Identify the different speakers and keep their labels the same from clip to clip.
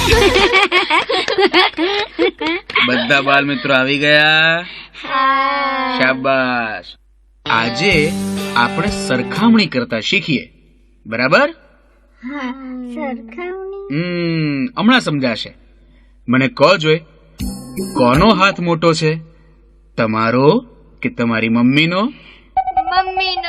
Speaker 1: બધા બાળ મિત્રો આવી ગયા? શાબાશ. આજે આપણે સરખામણી કરતા શીખીએ, બરાબર? હમણાં સમજાશે. મને કહો જોઈ, કોનો હાથ મોટો છે, તમારો કે તમારી મમ્મીનો?
Speaker 2: મમ્મીનો.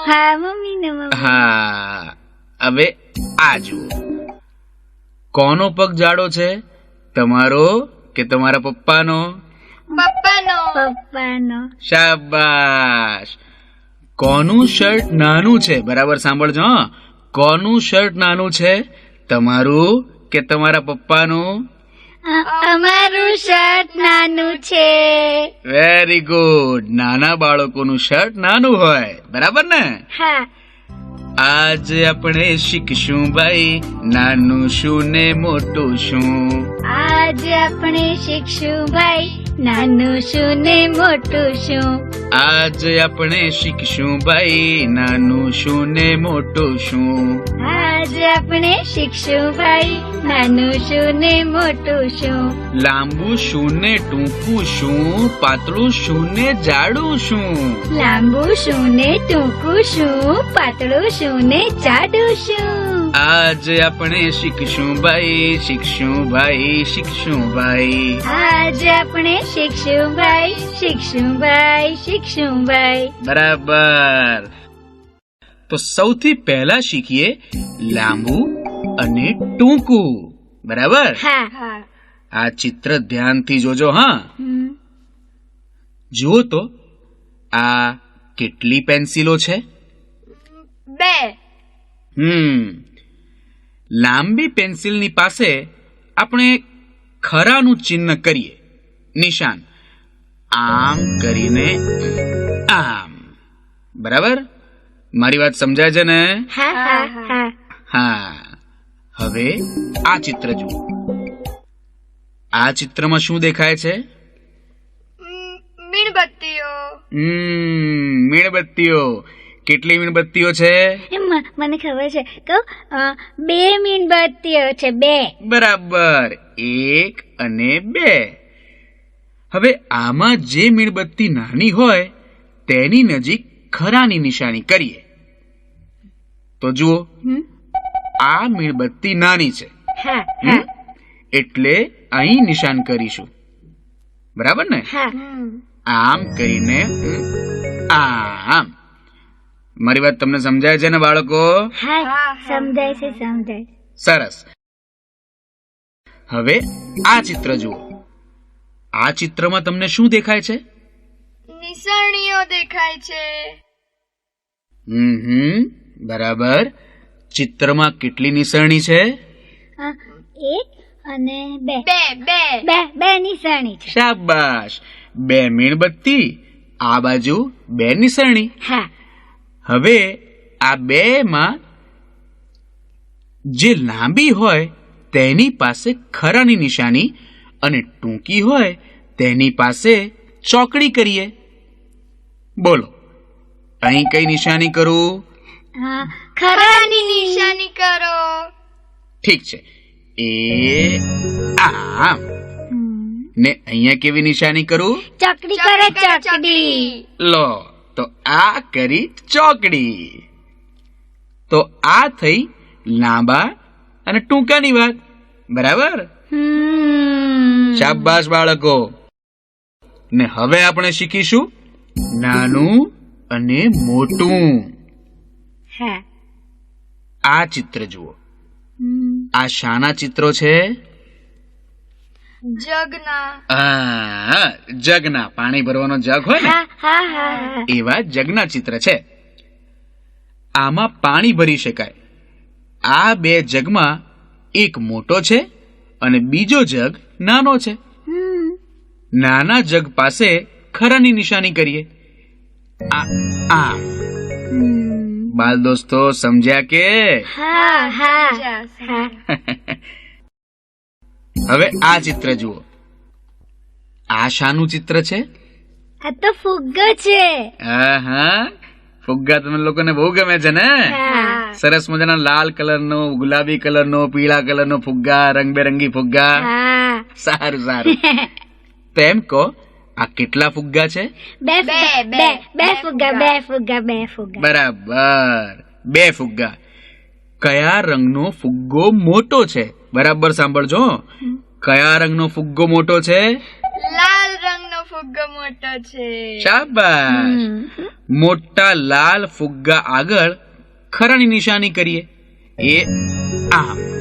Speaker 1: હા, હવે આ જુઓ, કોનો પગ જાડો છે, તમારો કે તમારા પપ્પાનો?
Speaker 2: પપ્પાનો.
Speaker 1: શાબાશ. કોનું શર્ટ નાનું છે? બરાબર સાંભળજો. કોનું શર્ટ નાનું છે, તમારું કે તમારા પપ્પાનું?
Speaker 2: અમારું શર્ટ નાનું છે.
Speaker 1: Very good. નાના બાળકોનું શર્ટ નાનું હોય, બરાબર ને?
Speaker 2: હા.
Speaker 1: આજે આપણે શીખશું ભાઈ, નાનું શું ને મોટું શું.
Speaker 2: આજે આપણે શીખશું ભાઈ, નાનું શું ને મોટું શું.
Speaker 1: આજે આપણે શીખશું ભાઈ, નાનું શું ને મોટું શું.
Speaker 2: આજે આપણે શીખશું ભાઈ, નાનું શું ને મોટું શું.
Speaker 1: લાંબુ શું ને ટૂંકું શું, પાતળું શું ને જાડું શું.
Speaker 2: લાંબુ શું ને ટૂંકું શું, પાતળું શું ને જાડું શું.
Speaker 1: આજે આપણે શીખશું ભાઈ, શીખશું ભાઈ, શીખશું ભાઈ.
Speaker 2: આજે આપણે શીખશું ભાઈ, શીખશું ભાઈ, શીખશું ભાઈ.
Speaker 1: બરાબર. તો સૌથી પહેલા શીખીએ લાંબુ અને ટૂંકું, બરાબર?
Speaker 2: હા.
Speaker 1: આ ચિત્ર ધ્યાનથી જોજો. હા, જુઓ તો આ કેટલી પેન્સિલો છે?
Speaker 2: 2.
Speaker 1: લાંબી પેન્સિલની પાસે આપણે ખરાનું ચિહ્ન કરીએ, નિશાન, આમ કરીને આમ. બરાબર? મારી વાત સમજાય છે ને? હા. હવે આ ચિત્ર જુઓ. આ ચિત્રમાં શું દેખાય છે?
Speaker 2: મીણબત્તીઓ.
Speaker 1: મીણબત્તીઓ. કેટલી મીણબત્તીઓ છે?
Speaker 2: મને ખબર છે. કહું, 2 મીણબત્તીઓ છે. 2.
Speaker 1: બરાબર. 1 અને 2. હવે આમાં જે મીણબત્તી નાની હોય તેની નજીક ખરાની નિશાની કરીએ. તો જુઓ, આ મીણબત્તી નાની છે, એટલે અહીં નિશાન કરીશું, બરાબર ને? આમ કરીને આમ. મારી વાત તમને સમજાય છે ને બાળકો?
Speaker 2: સમજાય છે.
Speaker 1: સરસ. હવે આ ચિત્ર જુઓ. આ ચિત્રમાં તમને શું દેખાય છે?
Speaker 2: નિશાનીઓ દેખાય છે.
Speaker 1: બરાબર. ચિત્રમાં કેટલી નિશાની છે?
Speaker 2: 1 અને 2. 2 નિશાની છે.
Speaker 1: શાબાશ. 2 મીણબત્તી, આ બાજુ 2 નિશાની.
Speaker 2: હા.
Speaker 1: હવે આ 2 માં જે લાંબી હોય તેની પાસે ખરાની નિશાની અને ટૂંકી હોય તેની પાસે ચોકડી કરીએ. બોલો, અહીં કઈ નિશાની કરું?
Speaker 2: ખરાની નિશાની કરો.
Speaker 1: ઠીક છે. આમ. ને અહીંયા કેવી નિશાની કરું?
Speaker 2: ચોકડી કરો. ચોકડી.
Speaker 1: લો, તો આ કરી ચોકડી. તો આ થઈ લાંબા અને ટૂંકાની વાત, બરાબર? શાબાશ બાળકો. ને હવે આપણે શીખીશું નાનું અને મોટું. આ ચિત્ર જુઓ. આ શાના ચિત્રો છે? જગના. પાણી ભરવાનો જગ હોય ને, એવા જગના ચિત્ર છે. આમાં પાણી ભરી શકાય. આ 2 જગમાં એક મોટો છે અને બીજો જગ નાનો છે. નાના જગ પાસે ખરાની નિશાની કરીએ. બાલ દોસ્તો સમજ્યા કે? હવે આ ચિત્ર જુઓ. આ શાનું ચિત્ર છે?
Speaker 2: આ તો ફુગ્ગો છે.
Speaker 1: ફુગ્ગા તમે લોકોને બહુ ગમે છે ને? સરસ મજાના લાલ કલરનો, ગુલાબી કલરનો, પીળા કલરનો ફુગ્ગા, રંગબેરંગી ફુગ્ગા. સારું સારું. તેમ કહો, આ કેટલા ફુગ્ગા છે?
Speaker 2: બે ફુગ્ગા.
Speaker 1: બરાબર, 2 ફુગ્ગા. કયા રંગનો ફુગ્ગો મોટો છે? બરાબર સાંભળજો. કયા રંગનો ફુગ્ગો મોટો છે?
Speaker 3: લાલ રંગનો ફુગ્ગો મોટો છે.
Speaker 1: શાબાશ. મોટા લાલ ફુગ્ગા આગળ ખરાની નિશાની કરીએ. એ આ